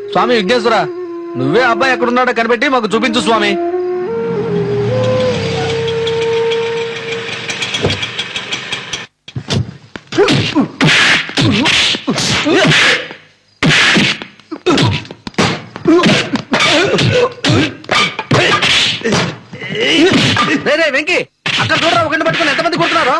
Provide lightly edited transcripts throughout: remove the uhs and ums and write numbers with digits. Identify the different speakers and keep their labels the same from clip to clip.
Speaker 1: స్వామి విఘ్నేశ్వర, నువ్వే అబ్బాయి ఎక్కడున్నాడో కనిపెట్టి మాకు చూపించు స్వామి. రే వెంకీ, అక్కడ చూడరా, ఒక గంట పట్టుకుని ఎంతమంది కొడుతున్నారు?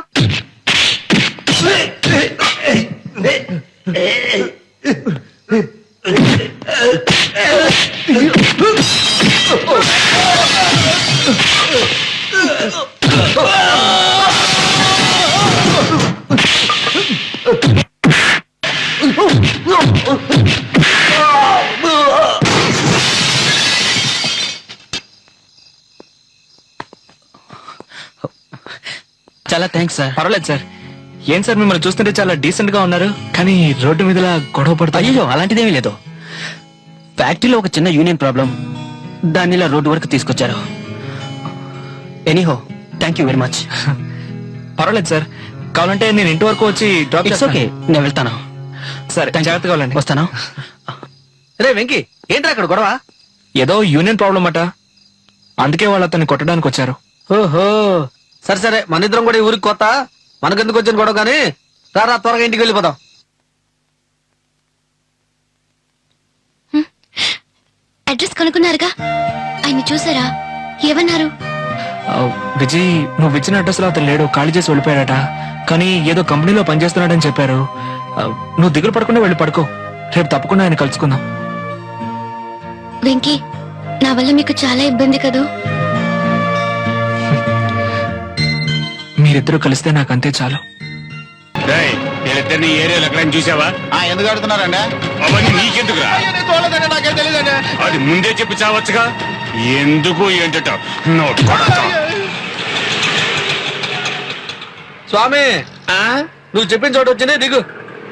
Speaker 2: చాలా థ్యాంక్స్ సార్.
Speaker 3: పర్వాలేదు సార్. ఏం సార్, మిమ్మల్ని చూస్తుంటే చాలా డీసెంట్ గా ఉన్నారు, కానీ రోడ్డు మీద గొడవ పడతా.
Speaker 2: అయ్యో అలాంటిదేమీ లేదు. ఫ్యాక్టరీలో ఒక చిన్న యూనియన్ ప్రాబ్లం, దాన్ని ఇలా రోడ్డు వరకు తీసుకొచ్చారు. Anyhow thank you very much.
Speaker 3: పర్వాలేదు సార్, కావాలంటే నేను ఇంటి వరకు వచ్చి డ్రాప్
Speaker 2: ఇట్స్ ఓకే, నేను వెళ్తాను.
Speaker 3: సరే, జాగ్రత్తగా వెళ్ళండి.
Speaker 2: వస్తాను.
Speaker 1: రే వెంకీ, ఏంట్రా అక్కడ గొడవ?
Speaker 3: ఏదో యూనియన్ ప్రాబ్లం అట, అందుకే వాళ్ళు అతన్ని కొట్టడానికి వచ్చారు.
Speaker 1: ఓహో, సరే సరే, మన ఇద్దరం కూడా ఈ ఊరికి కొత్త, మనకెందుకు వచ్చిన గొడవ కానీ రారా, త్వరగా ఇంటికి వెళ్ళిపోదాం.
Speaker 4: అడ్రస్ కనుక్కున్నారుగా, ఆయన చూసారా? ఏమన్నారు?
Speaker 3: విజయ్, నువ్వు ఇచ్చిన అడ్రస్ లో అతను లేడు, ఖాళీ చేసి వెళ్ళిపోయాడట. కానీ ఏదో కంపెనీలో పనిచేస్తున్నాడని చెప్పారు. నువ్వు దిగులు పడకుండా వెళ్ళి పడుకో, రేపు తప్పకుండా ఆయన కలుసుకుందాం.
Speaker 4: వెంకీ, నా వల్ల మీకు చాలా ఇబ్బంది కదూ?
Speaker 3: మీరిద్దరూ కలిస్తే నాకు అంతే చాలు.
Speaker 5: వీళ్ళిద్దరిని ఏరియాలో ఎక్కడైనా చూసావా?
Speaker 6: ఎందుకు అడుగుతున్నారండి?
Speaker 5: అవన్నీ నీకెందుకురా?
Speaker 6: నాకేం తెలియదండి.
Speaker 5: అది ముందే చెప్పి చావచ్చుగా. ఎందుకు ఏంటట?
Speaker 1: స్వామి, నువ్వు చెప్పిన చోటు వచ్చింది, దిగు.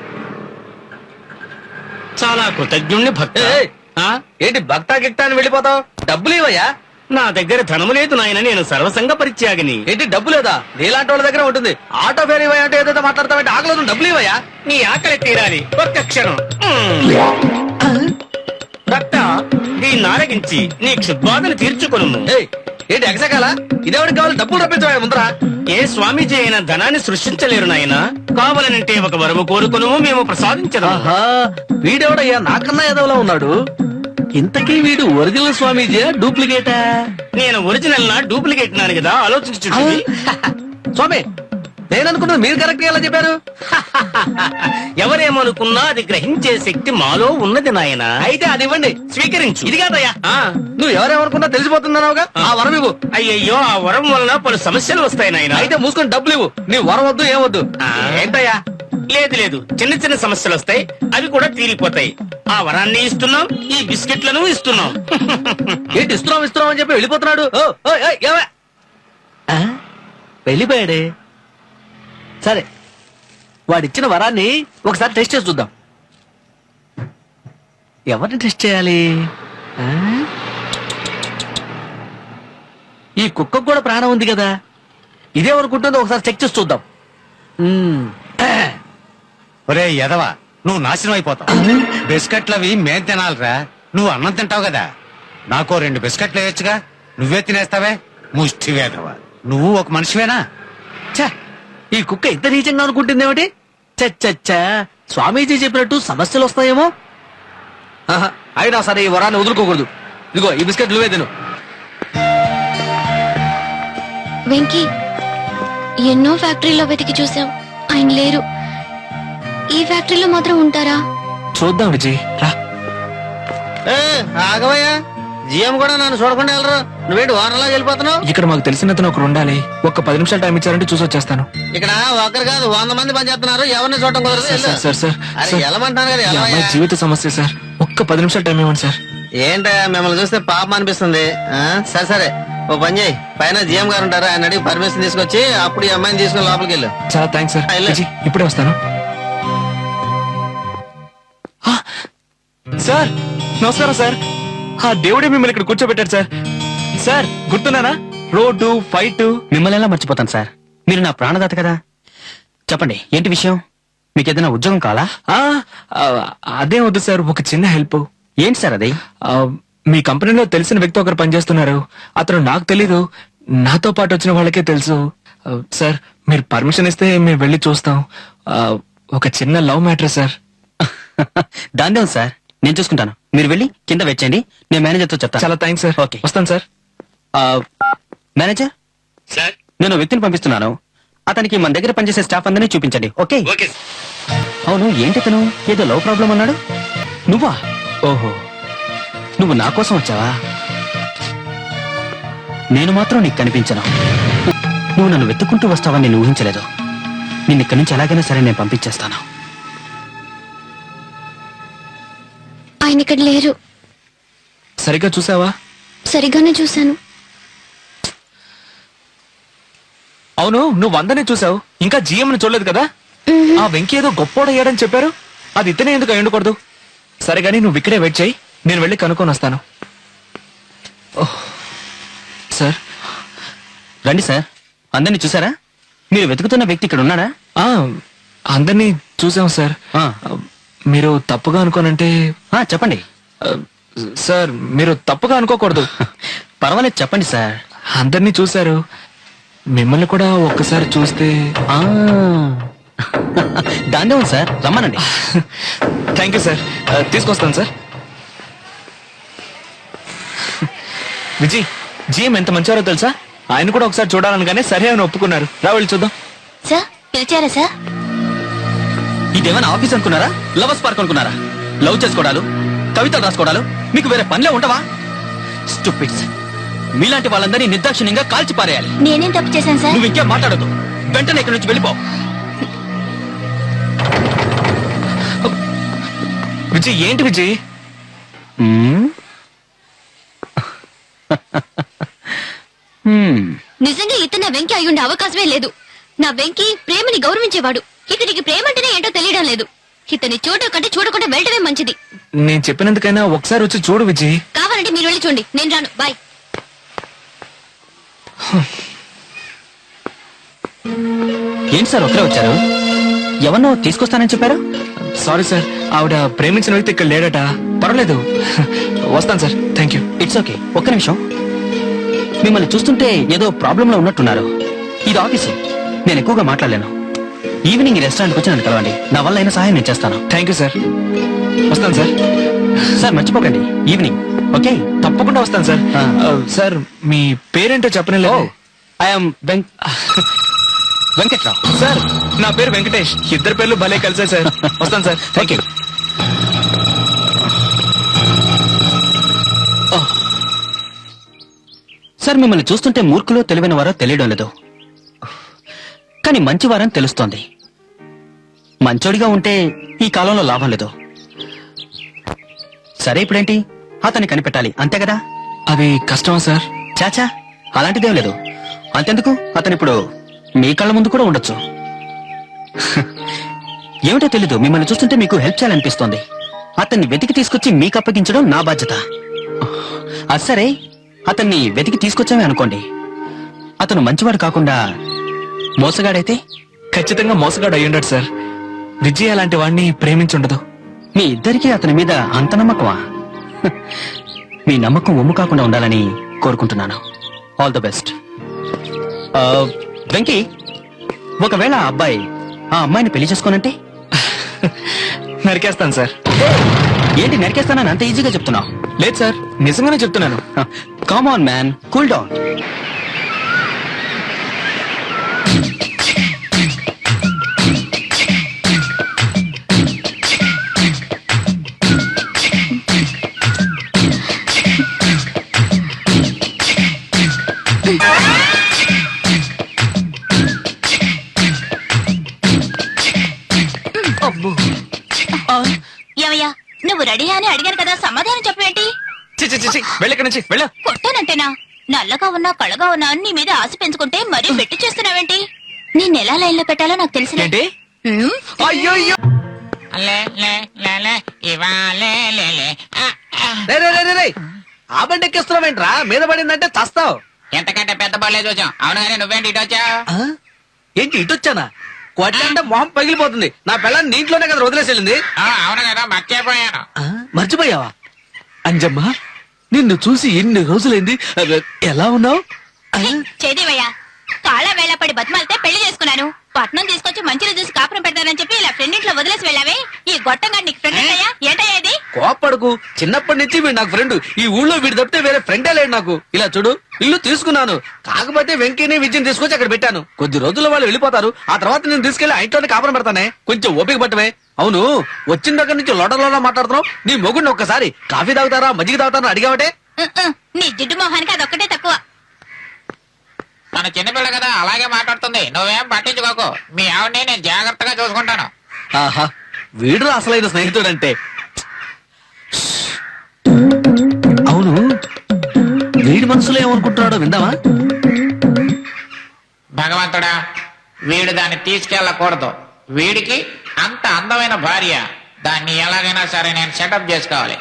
Speaker 7: చాలా కృతజ్ఞుణ్ణి భక్త.
Speaker 1: ఏయ్, ఏంటి భక్తా గిక్తా అని వెళ్ళిపోతావు? డబ్బులు ఇవ్వయ్యా.
Speaker 7: నా దగ్గర ధనము లేదు నాయన, నేను సర్వసంగ పరిత్యాగిని.
Speaker 1: ఏంటి డబ్బు లేదా? నీలాంటి వాళ్ళ దగ్గర ఉంటుంది. ఆటో ఫేర్ ఇవ్వయా అంటే ఏదైతే మాట్లాడతావంటే ఆకలేదు, డబ్బులు ఇవ్వయా.
Speaker 7: నీ ఆకలి తీరాలి, ఒక్క క్షణం. భక్త, దీన్ని ఆరగించి నీ క్షుద్బాధను తీర్చుకొను.
Speaker 1: ఏయ్, ఏంటి ఎగసకాల? ఇదేవాడికి కావాలి, డబ్బులు రప్పించవా ముందరా.
Speaker 7: ఏ స్వామీజీ అయినా ధనాన్ని సృష్టించలేరు నాయన. కావాలనంటే ఒక వరము కోరుకును, మేము ప్రసాదించదు.
Speaker 1: ఆహా, వీడెవడయ్యా నాకన్నా ఎదవలా ఉన్నాడు. ఇంతకీ వీడు ఒరిజినల్ స్వామీజీ డూప్లికేటా?
Speaker 7: నేను ఒరిజినల్ నా డూప్లికేట్ నాను కదా, ఆలోచించు.
Speaker 1: స్వామి, నేను అనుకున్నది మీరు కరెక్ట్ ఎలా చెప్పారు?
Speaker 7: ఎవరేమనుకున్నా అది గ్రహించే శక్తి మాలో ఉన్నది నాయన.
Speaker 1: అయితే అది ఇవ్వండి,
Speaker 7: స్వీకరించు.
Speaker 1: ఇది కాదయ్యా, నువ్వు ఎవరేమనుకున్నా తెలిసిపోతున్నావుగా, ఆ వరం ఇవ్వు.
Speaker 7: అయ్యయ్యో, ఆ వరం వలన పలు సమస్యలు వస్తాయి నాయన.
Speaker 1: అయితే మూసుకొని డబ్బులు ఇవ్వు. నీ వరం వద్దు, ఏమొద్దు.
Speaker 7: ఏంటయ్యా? లేదు లేదు, చిన్న చిన్న సమస్యలు వస్తాయి, అవి కూడా తీరిపోతాయి. ఆ వరాన్ని ఇస్తున్నాం, ఈ బిస్కెట్లను ఇస్తున్నాం.
Speaker 1: ఏంటి ఇస్తున్నాం ఇస్తున్నాం అని చెప్పి వెళ్ళిపోతున్నాడు? వెళ్ళిపోయాడే. సరే, వాడిచ్చిన వరాన్ని ఒకసారి టెస్ట్ చేసి చూద్దాం. ఎవరిని టెస్ట్ చేయాలి? ఈ కుక్కకు కూడా ప్రాణం ఉంది కదా, ఇదేమనుకుంటుందో ఒకసారి చెక్ చేసి చూద్దాం.
Speaker 6: ఒరే ఎదవా, నువ్వు నాశనం అయిపోతావు. బిస్కెట్లవి మేం తినాలిరా, నువ్వు అన్నం తింటావు కదా. నాకు 2 బిస్కెట్లు వేయొచ్చుగా, నువ్వే తినేస్తావే. ముష్టి వేదవా, నువ్వు ఒక మనిషివేనా?
Speaker 1: ఛ, ఈ కుక్క ఇంత నీచంగా అనుకుంటుందేమిటి? చచ్చచ్చా, స్వామీజీ చెప్పినట్టు సమస్యలు వస్తాయేమో. అయినా సరే, ఈ వరాన్ని వదులుకోకూడదు. ఇదిగో ఈ బిస్కెట్ నువ్వే తిను.
Speaker 4: వెంకీ, ఎన్నో ఫ్యాక్టరీలో వెతికి చూసాం, ఆయన లేరు. ఈ ఫ్యాక్టరీలో మాత్రం ఉంటారా?
Speaker 3: చూద్దాం విజయ్, రా.
Speaker 1: ఆగవయ్యా, జిఎం కూడా నన్ను చూడకుండా వెళ్ళరు. నువ్వేంటి వారంలా వెళ్ళిపోతున్నావు?
Speaker 3: ఇక్కడ మాకు తెలిసిన అతను ఒకరు ఉండాలి. ఒక్క 10 నిమిషాలు టైం ఇచ్చారంటే చూసి వచ్చేస్తాను.
Speaker 1: ఇక్కడ ఒకరు కాదు 100 మంది పనిచేస్తున్నారు, ఎవరిని చూడటం కుదరదు.
Speaker 3: సార్ సార్ సార్,
Speaker 1: అరే
Speaker 3: సార్,
Speaker 1: వెళ్ళమంటాను కదా,
Speaker 3: ఈ అమ్మాయి
Speaker 1: వెళ్ళవయ్యా.
Speaker 3: జీవిత సమస్య సార్, ఒక్క 10 నిమిషాలు టైం ఇవ్వండి సార్.
Speaker 1: ఏంటయ్యా, మిమ్మల్ని చూస్తే పాపం అనిపిస్తుంది. సరే సరే, ఓ పని చేయి, పైన జిఎం గారు ఉంటారు, ఆయన అడిగి పర్మిషన్ తీసుకొచ్చి అప్పుడు ఈ అమ్మాయిని తీసుకుని లోపలికి వెళ్ళు.
Speaker 3: చాలా థ్యాంక్స్ సార్.
Speaker 1: వెళ్ళు.
Speaker 3: విజయ్, ఇప్పుడే వస్తాను. సార్ నమస్కారం సార్. ఆ దేవుడే మిమ్మల్ని ఇక్కడ కూర్చోబెట్టారు సార్. సార్ గుర్తున్నానా? Road fight.
Speaker 2: మిమ్మల్ని ఎలా మర్చిపోతాను సార్, మీరు నా ప్రాణదాత కదా. చెప్పండి, ఏంటి విషయం? మీకు ఏదైనా ఉద్యోగం కావాలా?
Speaker 3: అదే వద్దు సార్, ఒక చిన్న హెల్ప్.
Speaker 2: ఏంటి సార్ అది?
Speaker 3: ఆ, మీ కంపెనీలో తెలిసిన వ్యక్తి ఒకరు పనిచేస్తున్నారు. అతను నాకు తెలీదు, నాతో పాటు వచ్చిన వాళ్ళకే తెలుసు. సార్ మీరు పర్మిషన్ ఇస్తే మేము వెళ్ళి చూస్తాం. ఒక చిన్న లవ్ మ్యాటర్ సార్.
Speaker 2: దాందే ఉంది సార్, నేను చూసుకుంటాను. మీరు వెళ్ళి కింద వెచ్చండి, నేను మేనేజర్తో చెప్తాను.
Speaker 3: చాలా థ్యాంక్స్ సార్.
Speaker 2: ఓకే.
Speaker 3: వస్తాను సార్.
Speaker 2: మేనేజర్,
Speaker 7: సార్
Speaker 2: నేను వ్యక్తిని పంపిస్తున్నాను. అతనికి మన దగ్గర పనిచేసే స్టాఫ్ అందరినీ చూపించండి. ఓకే?
Speaker 7: ఓకే
Speaker 2: అవును, ఏంటి తను ఏదో లవ్ ప్రాబ్లం అన్నాడు? నువ్వా? ఓహో, నువ్వు నా కోసం వచ్చావా? నేను మాత్రం నీకు కనిపించను. నువ్వు నన్ను వెతుక్కుంటూ వస్తావని నేను ఊహించలేదు. నిన్ను ఇక్కడి నుంచి ఎలాగైనా సరే నేను పంపించేస్తాను.
Speaker 4: ఆయన ఇక్కడ లేరు.
Speaker 3: సరిగ్గా చూసావా?
Speaker 4: సరిగానే చూశాను.
Speaker 3: అవును, నువ్వు అందరినీ చూసావు, ఇంకా GM ని చూడలేదు కదా? ఆ వెంకీ ఏదో గొప్పోడయ్యాడని చెప్పారు. అది ఇతనే ఎందుకు అయి ఉండకూడదు? సరే గానీ నువ్వు ఇక్కడే వెయిట్ చేయి, నేను వెళ్ళి కనుక్కొని వస్తాను. Oh, sir.
Speaker 2: రండి సార్. అందరినీ చూసారా? మీరు వెతుకుతున్న వ్యక్తి ఇక్కడ ఉన్నాడా?
Speaker 3: ఆ, అందరినీ చూసాం సార్.
Speaker 2: ఆ.
Speaker 3: మీరు తప్పుగా అనుకోనంటే
Speaker 2: చెప్పండి.
Speaker 3: ఆ, సార్ మీరు తప్పుగా అనుకోకూడదు.
Speaker 2: పర్వాలేదు, చెప్పండి సార్.
Speaker 3: అందరినీ చూశారు, మిమ్మల్ని కూడా ఒక్కసారి చూస్తే.
Speaker 2: దాందే ఉంది సార్, రమ్మనండి.
Speaker 3: Thank you sir. తీసుకొస్తాను సార్. విజయ్, GM ఎంత మంచివారో తెలుసా? ఆయన కూడా ఒకసారి చూడాలనగానే సరే అని ఒప్పుకున్నారు. రా వెళ్ళి చూద్దాం.
Speaker 4: సార్ పిలిచారా సార్?
Speaker 2: ఇదేమైనా ఆఫీస్ అనుకున్నారా? లవర్స్ పార్క్ అనుకున్నారా? లవ్ చేసుకోవడాలు, కవితలు రాసుకోవడాలు మీకు వేరే పనిలే ఉండవా? స్టూపిడ్స్. మీలాంటి వాళ్ళందరినీ నిర్దాక్షిణ్యంగా కాల్చి పారేయాలి.
Speaker 4: నేనేం తప్పు చేశాను సార్?
Speaker 2: నువ్వు ఇంకేం మాట్లాడదు. వెంటనే ఇక్కడి నుంచి వెళ్ళిపో.
Speaker 3: విజయ్, ఏంటి విజయ్?
Speaker 4: నిజంగా ఇతను వెంకీ అయి ఉండే అవకాశమే లేదు. నా వెంకీ ప్రేమని గౌరవించేవాడు. ఇతనికి ప్రేమ అంటేనే ఏంటో తెలియడం లేదు. ఇతన్ని చూడడం కంటే చూడకుండా వెళ్ళడమే మంచిది.
Speaker 3: నేను చెప్పినందుకైనా ఒకసారి వచ్చి చూడు విజయ్.
Speaker 4: కావాలంటే మీరు వెళ్ళి చూడండి, నేను రాను. బాయ్.
Speaker 2: ఏంటి సార్ ఒకరే వచ్చారు? ఎవరినో తీసుకొస్తానని చెప్పారు?
Speaker 3: సారీ సార్, ఆవిడ ప్రేమించిన వ్యక్తి ఇక్కడ లేడట. పర్వాలేదు, వస్తాను sir. Thank you.
Speaker 2: It's okay. ఒక్క నిమిషం. మిమ్మల్ని చూస్తుంటే ఏదో ప్రాబ్లం లో ఉన్నట్టున్నారు. ఇది ఆఫీసు, నేను ఎక్కువగా మాట్లాడలేను. ఈవినింగ్ ఈ రెస్టారెంట్కి వచ్చి నన్ను కలవండి. నా వల్ల అయిన సహాయం నేను చేస్తాను.
Speaker 3: Thank you sir. వస్తాను సార్.
Speaker 2: సార్ మర్చిపోకండి, ఈవినింగ్. ఓకే?
Speaker 3: తప్పకుండా వస్తాను సార్. సార్ మీ పేరేంటో చెప్పనే
Speaker 2: ఐఎమ్ వెంకట్రావు.
Speaker 3: సార్ నా పేరు వెంకటేష్. ఇద్దరు పేర్లు భలే కలిసాయి సార్. వస్తాను సార్. Thank you.
Speaker 2: సార్ మిమ్మల్ని చూస్తుంటే మూర్ఖులో తెలివైన వారో తెలియడం లేదు, కానీ మంచివారని తెలుస్తోంది. మంచోడిగా ఉంటే ఈ కాలంలో లాభం లేదు. సరే, ఇప్పుడేంటి? అతన్ని కనిపెట్టాలి, అంతే కదా?
Speaker 3: అది కష్టమా సార్?
Speaker 2: చాచా, అలాంటిదేం లేదు. అంతెందుకు, అతను ఇప్పుడు మీ కళ్ళ ముందు కూడా ఉండొచ్చు. ఏమిటో తెలీదు, మిమ్మల్ని చూస్తుంటే మీకు హెల్ప్ చేయాలనిపిస్తోంది. అతన్ని వెతికి తీసుకొచ్చి మీకు అప్పగించడం నా బాధ్యత. అది సరే, అతన్ని వెతికి తీసుకొచ్చామే అనుకోండి. అతను మంచివాడు కాకుండా మోసగాడైతే?
Speaker 3: ఖచ్చితంగా మోసగాడు అయ్యుండడు సార్. విజయ్ అలాంటి వాడిని ప్రేమించుండదు.
Speaker 2: మీ ఇద్దరికీ అతని మీద అంత నమ్మకమా? మీ నమ్మకం ఒమ్ము కాకుండా ఉండాలని కోరుకుంటున్నాను. All the best. వెంకీ, ఒకవేళ ఆ అబ్బాయి ఆ అమ్మాయిని పెళ్లి చేసుకోనంటే?
Speaker 3: నరికేస్తాను సార్.
Speaker 2: ఏంటి నరికేస్తానని అంత ఈజీగా చెప్తున్నావు?
Speaker 3: లేదు సార్, నిజంగానే చెప్తున్నాను.
Speaker 2: Come on man, cool down.
Speaker 4: ఏమయ్యా, నువ్వు రెడీ అని అడిగాను కదా, సమాధానం చెప్పేంటి?
Speaker 3: వెళ్ళక్కడి నుంచి వెళ్ళ.
Speaker 4: కొట్టానంటేనా? నల్లగా ఉన్నా కళ్ళగా ఉన్నా నీ మీద ఆశ పెంచుకుంటే మరీ పెట్టి చేస్తున్నావేంటి? నేను ఎలా లైన్ లో పెట్టాలో నాకు తెలిసిన
Speaker 3: ఏంటి? అయ్యో
Speaker 1: ఆ బండి ఎక్కిస్తున్నావేంట్రా? మీద పడిందంటే చస్తావు.
Speaker 7: ఎంతకంటే పెద్ద బళ్ళే చూసాం. అవును కానీ నువ్వేంటి ఇటు వచ్చావు?
Speaker 1: ఏంటి ఇటొచ్చానా? కొట్లంటే మొహం పగిలిపోతుంది. నా పిల్లని నీంట్లోనే కదా వదిలేసి వెళ్ళింది.
Speaker 7: అవును కదా, మర్చిపోయాను.
Speaker 1: మర్చిపోయావా? అంజమ్మ నిన్ను చూసి ఎన్ని రోజులైంది ఎలా ఉన్నావు
Speaker 4: చేదేవయ్యా కాళ్ళ వేళ పడి బతిమాలితే పెళ్లి చేసుకున్నాను. పట్నం తీసుకొచ్చి మంచిగా చూసి కాపురం పెడతానని చెప్పి ఇలా ఫ్రెండ్ ఇంట్లో వదిలేసి వెళ్ళావే. ఈ గొట్టంగా నీకు ఫ్రెండ్ అయ్యా ఏంటయ్యా ఇది?
Speaker 1: కోపడకు, చిన్నప్పటి నుంచి వీడు నాకు ఫ్రెండ్. ఈ ఊళ్ళో వీడు తప్పితే వేరే ఫ్రెండే లేడు నాకు. ఇలా చూడు, ఇల్లు తీసుకున్నాను, కాకపోతే వెంకీని విజయం తీసుకొచ్చి అక్కడ పెట్టాను. కొద్ది రోజుల్లో వాళ్ళు వెళ్ళిపోతారు. ఆ తర్వాత నేను తీసుకెళ్లి ఆ ఇంట్లోనే కాపురం పెడతానే. కొంచెం ఓపిక పట్టమే. అవును, వచ్చిన దగ్గర నుంచి లోటలోలా మాట్లాడుతున్నావు. నీ మొగుడిని ఒక్కసారి కాఫీ తాగుతారా మజ్జిగ తాగుతారా అడిగావటే?
Speaker 4: నీ జిడ్డు మొహానికి అదొక్కటే తక్కువ.
Speaker 8: తన చిన్నపిల్ల కదా అలాగే మాట్లాడుతుంది. నువ్వేం పట్టించుకోకు. మీ ఆవిడని నేను జాగ్రత్తగా చూసుకుంటాను.
Speaker 1: ఆహా, వీడు అసలైన స్నేహితుడంటే. అవును, వీడి మనసులో ఏమనుకుంటున్నాడో విందామా?
Speaker 8: భగవంతుడా, వీడు దాన్ని తీసుకెళ్ళకూడదు. వీడికి అంత అందమైన భార్య. దాన్ని ఎలాగైనా సరే నేను సెటప్ చేసుకోవాలి.